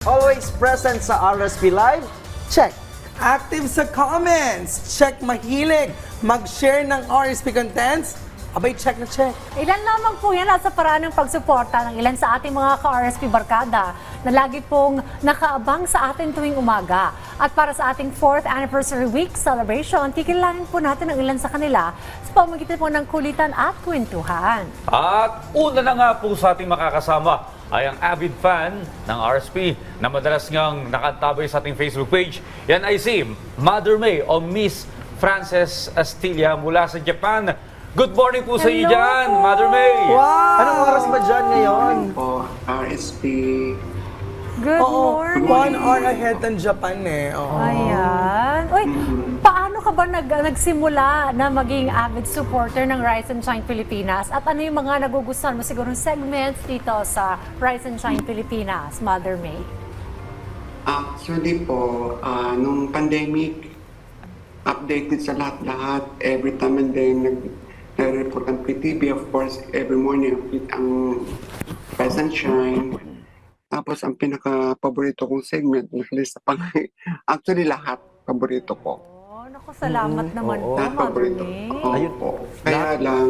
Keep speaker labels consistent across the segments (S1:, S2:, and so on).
S1: Always present sa RSP Live? Check.
S2: Active sa comments. Check. Mahilig mag-share ng RSP contents. Abay, check na check.
S3: Ilan lamang po yan at sa paraan ng pagsuporta ng ilan sa ating mga ka-RSP barkada na lagi pong nakaabang sa atin tuwing umaga. At para sa ating 4th Anniversary Week celebration, kikilalanin po natin ang ilan sa kanila sa pamamagitan po ng kulitan at kwentuhan.
S4: At una na nga po sa ating makakasama ay ang avid fan ng RSP na madalas ngang nakantabay sa ating Facebook page. Yan ay si Mother May o Miss Frances Astilla mula sa Japan. Good morning po sa iyo
S3: Hello
S4: dyan,
S3: po.
S4: Mother May!
S1: Wow! Anong oras ba dyan ngayon?
S5: Po, RSP.
S3: Good
S2: Oo,
S3: morning!
S2: 1 hour ahead ng Japan eh. Oo.
S3: Ayan. Uy, paano ka ba nagsimula na maging avid supporter ng Rise and Shine Pilipinas? At ano yung mga nagugustuhan mo siguro segments dito sa Rise and Shine Pilipinas, Mother May?
S5: Actually po, nung pandemic, updated sa lahat-lahat. Every time and then, nag-report ang PTV, of course, every morning, ang Rise and Shine. Tapos, ang pinaka-paborito kong segment, nakalista pa actually, lahat paborito ko.
S3: Oh, naku, salamat naman po,
S5: Lahat
S3: Mother
S5: paborito.
S3: May.
S1: Ayun
S5: po. Kaya lang,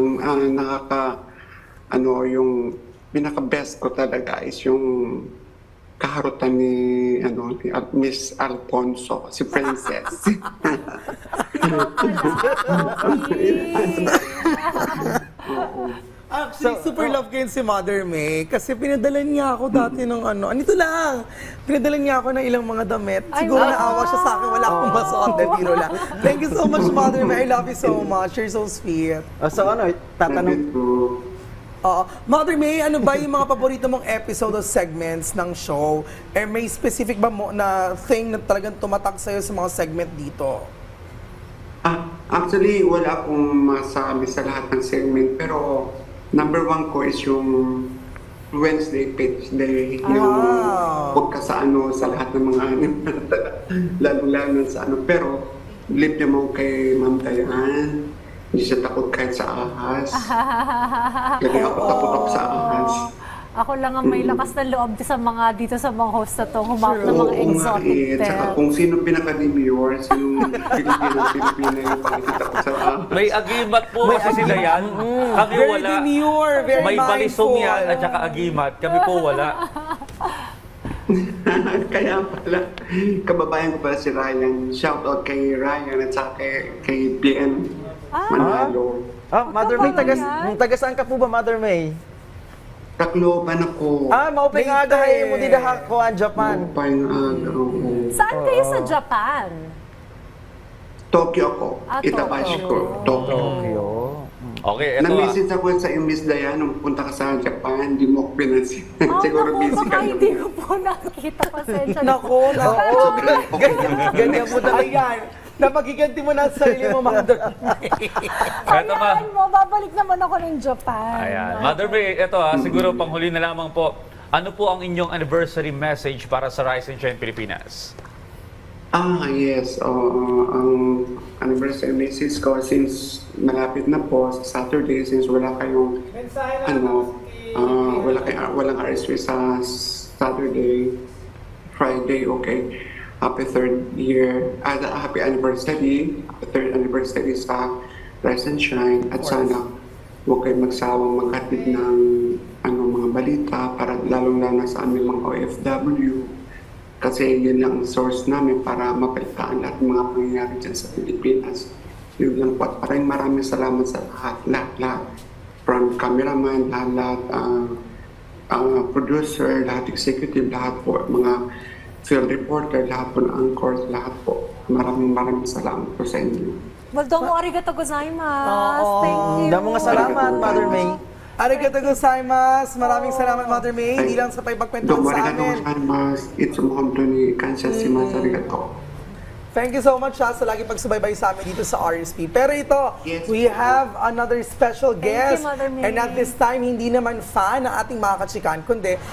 S5: yung pinaka-best ko talaga is yung kaharutan ni Miss Alfonso, si Princess.
S2: Actually, super love ko yun si Mother May kasi pinadalan niya ako dati ng anito lang, pinadalan niya ako ng ilang mga damit.
S3: Ay,
S2: Siguro
S3: wow.
S2: naawa siya sa akin, wala akong masuot, biro lang. Thank you so much, Mother May. I love you so much. You're so sweet.
S1: So tatanong...
S2: Mother May, ano ba yung mga paborito mong episode o segments ng show? Eh, may specific ba mo na thing na talagang tumatak sa'yo sa mga segment dito?
S5: Actually, wala akong masabi sa lahat ng segment, pero number one ko is yung Wednesday Pitch Day. Yung huwag ka sa lahat ng mga lalo-lalo sa Pero, believe naman kay Ma'am Dayan. Hindi siya takot kahit sa ahas. Kasi ako takot ako sa ahas.
S3: Ako lang ang may lakas na loob dito sa mga host na to, humawak ng mga exotic
S5: Tsaka
S3: pet.
S5: kung sino pinaka-demure, sinong Pilipino yung pakikita ko sa ahas.
S4: May agimat po kasi sila yan. Kami
S2: Very
S4: wala.
S2: demure, very
S4: May balisong
S2: mindful.
S4: yan at saka agimat. Kami po wala.
S5: Kaya pala, kababayan ko pala si Ryan. Shout out kay Ryan at saka kay PM Manalo.
S1: Mother May, taga saan ka po ba, Mother May?
S5: Tacloban ako.
S1: Maupay nga
S2: Later.
S1: agahay mo dida ko ang Japan.
S5: Upay oo.
S3: Saan kayo sa Japan?
S5: Tokyo ako. Itabashi
S3: Tokyo.
S5: ko. Tokyo.
S1: Tokyo.
S4: Okay, eto
S5: Na-message ako sa yung Miss Dayan nung punta ka sa Japan, hindi mo ako pinansin. Siguro
S3: naku,
S5: busy
S3: baka
S5: ka
S3: hindi
S5: na.
S3: ko po nakikita. Pasensya na.
S2: Nako, ganyan mo talaga yan. Napagiganti mo na sa sarili mo, Mother May.
S4: Eto ma.
S3: Hayaan mo, babalik naman ako ng Japan.
S4: Ayan. Mother May, ito siguro panghuli na lamang po. Ano po ang inyong anniversary message para sa Rise and Shine Pilipinas?
S5: Yes. Ang anniversary message ko since malapit na po sa Saturday, since wala kayong walang RSP sa Saturday, Friday, okay. Happy third anniversary sa Rise and Shine at sana huwag kayo magsawang maghatid ng mga balita para lalong-lalo sa aming mga OFW kasi yun lang ang source namin para mapalitaan lahat ng mga pangyayari dyan sa Pilipinas. Yun lang po at maraming salamat sa lahat. From cameraman, lahat, producer, lahat executive, lahat po, mga field reporter, lahat po ng anchors, lahat po. Maraming salamat po sa inyo.
S3: Well, domo arigato gozaimasu. Thank you.
S1: Damo nga salamat, Mother May.
S2: Arigatou gozaimasu. Maraming salamat, Mother May. Hindi lang sa pagpagkwentuhan sa amin.
S5: Itsu mo ni Kansha Shimasu. Arigato.
S2: Thank you so much sa lagi pagsubaybay sa amin dito sa RSP. Pero ito,
S5: Yes.
S2: we have another special
S3: you,
S2: guest.
S3: Mother May.
S2: And at this time, hindi naman fan ng ating mga kachikan, kundi